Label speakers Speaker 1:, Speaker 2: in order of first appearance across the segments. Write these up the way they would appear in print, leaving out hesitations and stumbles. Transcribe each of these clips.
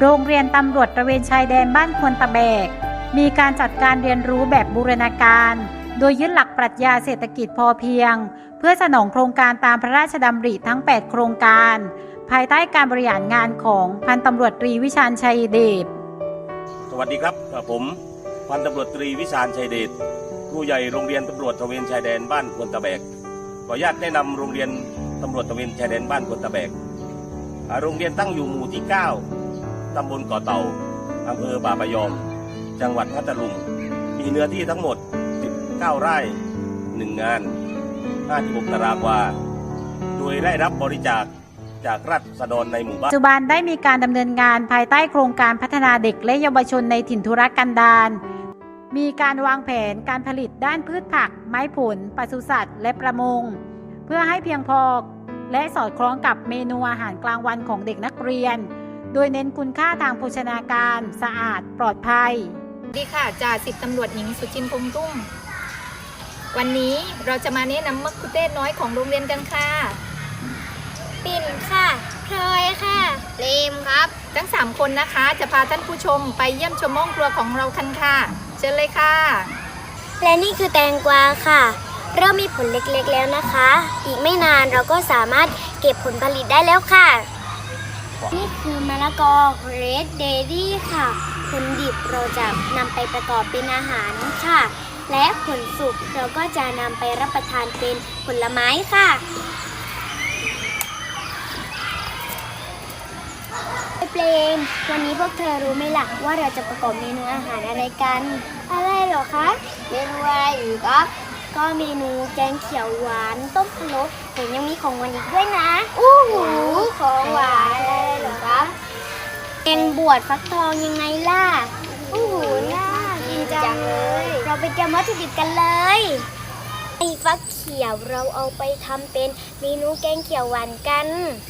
Speaker 1: โรงเรียนตำรวจตระเวนชายแดนบ้านควนตะแบกมีการจัดการเรียนรู้แบบบูรณาการโดยยึดหลักปรัชญาเศรษฐกิจพอเพียงเพื่อสนองโครงการตามพระราชดำริทั้ง 8 โครงการภายใต้การบริหารงานของพันตำรวจตรีวิชาญชัยเดช
Speaker 2: สวัสดีครับผมพันตำรวจตรีวิชาญชัยเดชครูใหญ่โรงเรียนตำรวจตระเวนชายแดนบ้านควนตะแบกขออนุญาตแนะนำโรงเรียนตำรวจตระเวนชายแดนบ้านควนตะแบกโรงเรียนตั้งอยู่หมู่ที่ 9 ตำบลเกาะเต่าอำเภอบาปะยอมจังหวัดพัทลุงมีเนื้อที่ทั้งหมด19 ไร่1 งาน56 ตารางวาโดยได้รับบริจาคจากราษฎรในหมู่บ้าน
Speaker 1: ปัจจุบันได้มีการดำเนินงานภายใต้โครงการพัฒนาเด็กและเยาวชนในถิ่นทุรกันดารมีการวางแผนการผลิตด้านพืชผักไม้ผลปศุสัตว์และประมงเพื่อให้เพียงพอและสอดคล้องกับเมนูอาหารกลางวันของเด็กนักเรียนโดยเน้นคุณค่าทางโภชนาการสะอาดปลอดภัย
Speaker 3: สวัสดีค่ะจ่าสิบตำรวจหญิงสุจินพงษ์รุ่งวันนี้เราจะมาแนะนำมะคุเทศน้อยของโรงเรียนกันค่ะ
Speaker 4: ปิ่นค่ะพลอยค่ะเลมครับ
Speaker 3: ทั้ง3คนนะคะจะพาท่านผู้ชมไปเยี่ยมชมห้องครัวของเรากันค่ะเชิญเลยค่ะ
Speaker 4: และนี่คือแตงกวาค่ะเริ่มมีผลเล็กๆแล้วนะคะอีกไม่นานเราก็สามารถเก็บผลผลิตได้แล้วค่ะนี่คือมะละกอเรดเดรี่ค่ะผลดิบเราจะนำไปประกอบเป็นอาหารค่ะและผลสุกเราก็จะนำไปรับประทานเป็นผลไม้ค่ะเปลมวันนี้พวกเธอรู้ไหมล่ะว่าเราจะประกอบเมนูอาหารอะไรกันอะไรเหรอคะเมนูอะไรอีกครับก็เมนูแกงเขียวหวานต้มพะโล้แต่ยังมีของหวานอีกด้วยนะอู้หูของหวานอะไรเหรอคะแกงบวชฟักทองยังไงล่ะอู้หูน่ากินจังเลยเราไปเตรียมวัตถุดิบกันเลยไอ้ฟักเขียวเราเอาไปทำเป็นเมนูแกงเขียวหวานกัน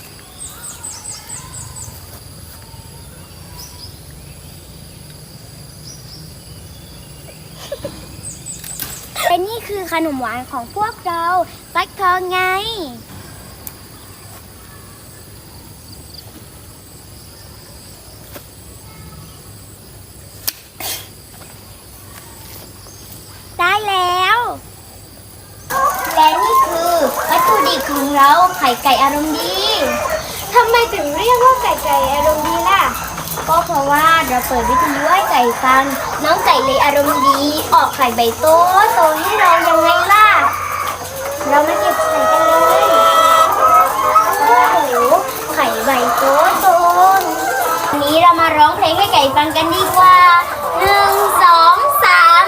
Speaker 4: และนี่คือขนมหวานของพวกเราฟักทองไงได้แล้วและนี่คือวัตถุดิบของเราไข่ไก่อารมณ์ดีทำไมถึงเรียกว่าไก่อารมณ์ดีล่ะก็เพราะว่าเราเปิดวิทยุให้ไก่ฟังน้องไก่เลยอารมณ์ดีออกไข่ใบโตให้เรายังไงล่ะเรามาเก็บไข่กันเลยโอ้โหไข่ใบโตวันนี้เรามาร้องเพลงให้ไก่ฟังกันดีกว่า1 2 3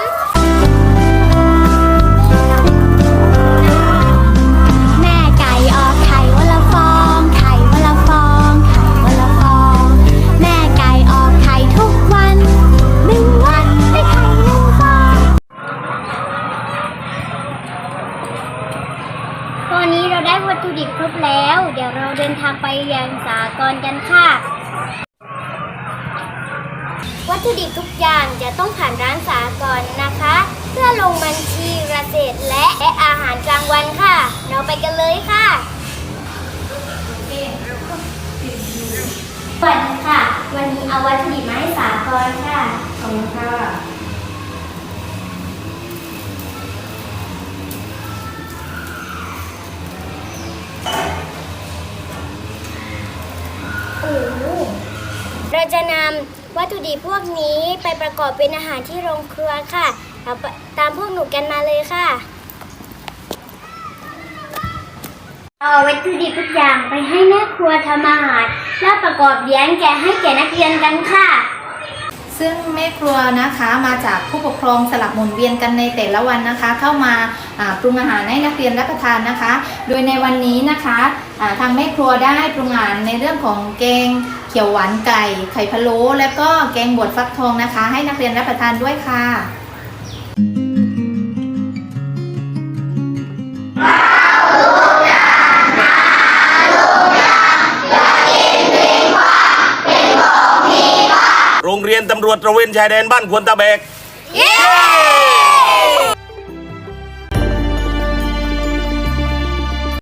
Speaker 4: แม่ไก่ออกไข่วันละฟองไข่วันละฟองไข่วันละฟองแม่ไก่ออกไข่ทุกวัน1 วันได้ไข่1 ฟองตอนนี้เราได้วัตถุดิบครบแล้วเดี๋ยวเราเดินทางไปยังสหกรณ์กันค่ะวัตถุดิบทุกอย่างจะต้องผ่านร้านสหกรณ์นะคะเพื่อลงบัญชีเกษตรและอาหารกลางวันค่ะเราไปกันเลยค่ะสวัสดีค่ะวันนี้เอาวัตถุดิบมาให้สหกรณ์ค่ะขอบคุณค่ะเราจะนำวัตถุดิบพวกนี้ไปประกอบเป็นอาหารที่โรงครัวค่ะเราตามพวกหนูกันมาเลยค่ะเอาวัตถุดิบทุกอย่างไปให้แม่ครัวทำอาหารแล้วประกอบเลี้ยงให้แก่นักเรียนกันค่ะ
Speaker 3: ซึ่งแม่ครัวนะคะมาจากผู้ปกครองสลับหมุนเวียนกันในแต่ละวันนะคะเข้ามาปรุงอาหารให้นักเรียนรับประทานนะคะโดยในวันนี้นะคะทางแม่ครัวได้ปรุงอาหารในเรื่องของแกงเขียวหวานไก่ไข่พะโล้และก็แกงบวชฟักทองนะคะให้นักเรียนรับประทานด้วยค่ะ
Speaker 2: โรงเรียนตำรวจตระเวนชายแดนบ้านควนตะแบก